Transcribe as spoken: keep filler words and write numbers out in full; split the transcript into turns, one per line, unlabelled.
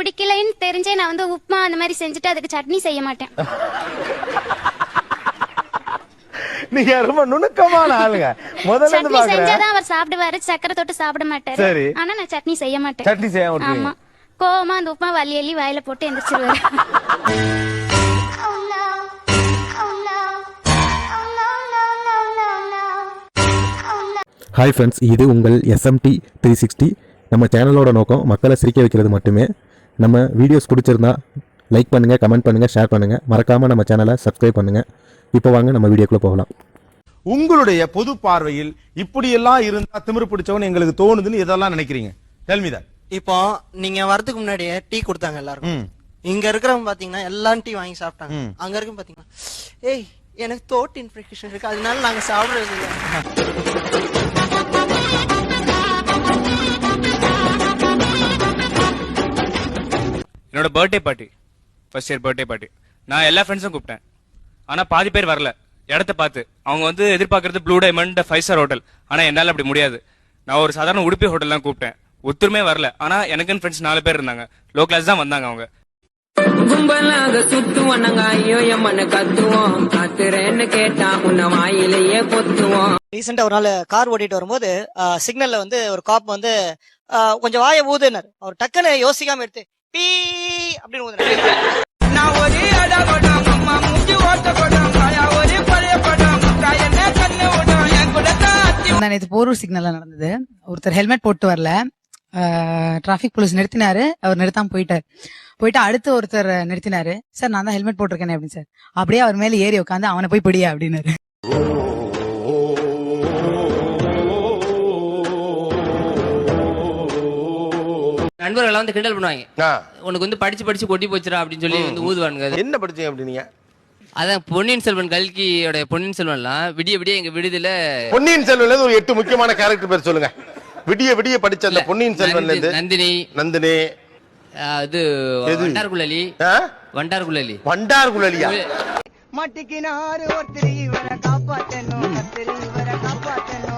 பிடிக்கலைன்னு தெரிஞ்சே நான் வந்து உப்புமா அந்த மாதிரி செஞ்சுட்டு அதுக்கு சட்னி செய்ய மாட்டேன்.
நீங்க ரொம்ப நுணுக்கமான ஆளுங்க. முதல்ல இருந்து பாக்குறேன்.
செஞ்சாதான் அவர் சாப்பிடுவாரு, சக்கரை தொட்டு சாப்பிட மாட்டாரு. ஆனா நான் சட்னி செய்ய மாட்டேன்.
சட்னி செய்ய மாட்டேன்.
ஆமா, கோவமா அந்த உப்புமா வலி எல்லி வாயில போட்டு எந்திரிச்சிருவாரு.
ஹாய் ஃப்ரெண்ட்ஸ், இது உங்கள் எஸ்எம்டி த்ரீ சிக்ஸ்டி. நம்ம சேனலோட நோக்கம் மக்களை சிரிக்க வைக்கிறது மட்டுமே. நம்ம வீடியோஸ் பிடிச்சிருந்தா லைக் பண்ணுங்கள், கமெண்ட் பண்ணுங்கள், ஷேர் பண்ணுங்கள். மறக்காமல் நம்ம சேனலை சப்ஸ்கிரைப் பண்ணுங்கள். இப்போ வாங்க நம்ம வீடியோக்குள்ளே போகலாம்.
உங்களுடைய பொது பார்வையில் இப்படியெல்லாம் இருந்தா திமிரு பிடிச்சவன் எங்களுக்கு தோணுதுன்னு எதெல்லாம் நினைக்கிறீங்க? Tell me that.
இப்போ நீங்க வரதுக்கு முன்னாடியே டீ கொடுத்தாங்க எல்லாருக்கும். இங்க இருக்கிறவங்க பாத்தீங்கன்னா எல்லாம் டீ வாங்கி சாப்பிட்டாங்க. அங்க இருக்கும் பாத்தீங்கன்னா, ஏய் எனக்கு தோட் இன்ஃபெக்ஷன் இருக்கு, அதனால நாங்க சாப்பிடுறது இல்லை.
என்னோட birthday party, first year birthday party, நான் எல்லா ஃப்ரெண்ட்ஸும் கூப்பிட்டேன். ஆனா பாதி பேர் வரல. இடத்த பார்த்து அவங்க வந்து எதிர்பார்க்கறது blue diamond five star hotel. ஆனா என்னால அப்படி முடியாது. நான் ஒரு சாதாரண உடுப்பி ஹோட்டல் தான் கூப்பிட்டேன். ஒத்துருமே வரல. ஆனா எனக்குன்னு ஃப்ரெண்ட்ஸ் நாலு பேர் இருந்தாங்க. லோ கிளாஸ் தான் வந்தாங்க. அவங்க
கும்பலாக சுத்துவோம், நாங்க ஐயோ எம்மனு கத்துவோம், காத்துறேன்னு கேட்டா உன்ன வாயிலேயே பொத்துவோம்.
ரீசெண்டா ஒரு நாள் கார் ஓட்டிட்டு வரும்போது சிக்னல்ல வந்து ஒரு காப் வந்து கொஞ்சம் வாய ஊதுனார். அவர் டக்குன்னு யோசிக்காம எடுத்து பீ அப்படின்னு ஊதுனார்.
நான் ஒரு அடபடம் அம்மா மூஞ்சி ஓட்டப்படும் காயா ஒரு பழைய படம் காயன கண்ணு ஓடும் என் கூட தாத்தி.
நான் நேத்து போரூர் சிக்னல்ல நடந்தது. ஒருத்தர் ஹெல்மெட் போட்டு வரல. Traffic police நிறுத்தினாரு. அவர் நிறுத்தாம போயிட்டாரு. போயிட்டு அடுத்து ஒருத்தர் நிறுத்தினாரு. சார் நான் தான் ஹெல்மெட் போட்டிருக்கேன் அப்படின்னு. சார் அப்படியே அவர் மேல ஏறி உட்காந்து அவனை போய் பிடியா அப்படின்னாரு.
நண்பர்கள் வந்து கிண்டல் பண்ணுவாங்க, உனக்கு வந்து படிச்சு படிச்சு கொட்டி போச்சுரா அப்படின்னு சொல்லி வந்து ஊதுவானுங்க.
என்ன படிச்சீங்க அப்படின்னீங்க?
அதான் பொன்னியின் செல்வன் கல்கியோட பொன்னியின் செல்வன்லாம் விடிய விடிய எங்க விடுதல.
பொன்னியின் செல்வன்ல ஒரு எட்டு முக்கியமான கேரக்டர் பேர் சொல்லுங்க. விடிய விடிய படிச்ச அந்த பொன்னியின் செல்வன்ல இருந்து
நந்தினி,
நந்தினி,
அது வண்டார்குழலி, வண்டார்குழலி,
வண்டார்குழலியா?
மட்டிக்கினாரு ஒருத்தர் இவரை காப்பாத்தணும், ஒருத்தர் இவரை காப்பாத்தணும்.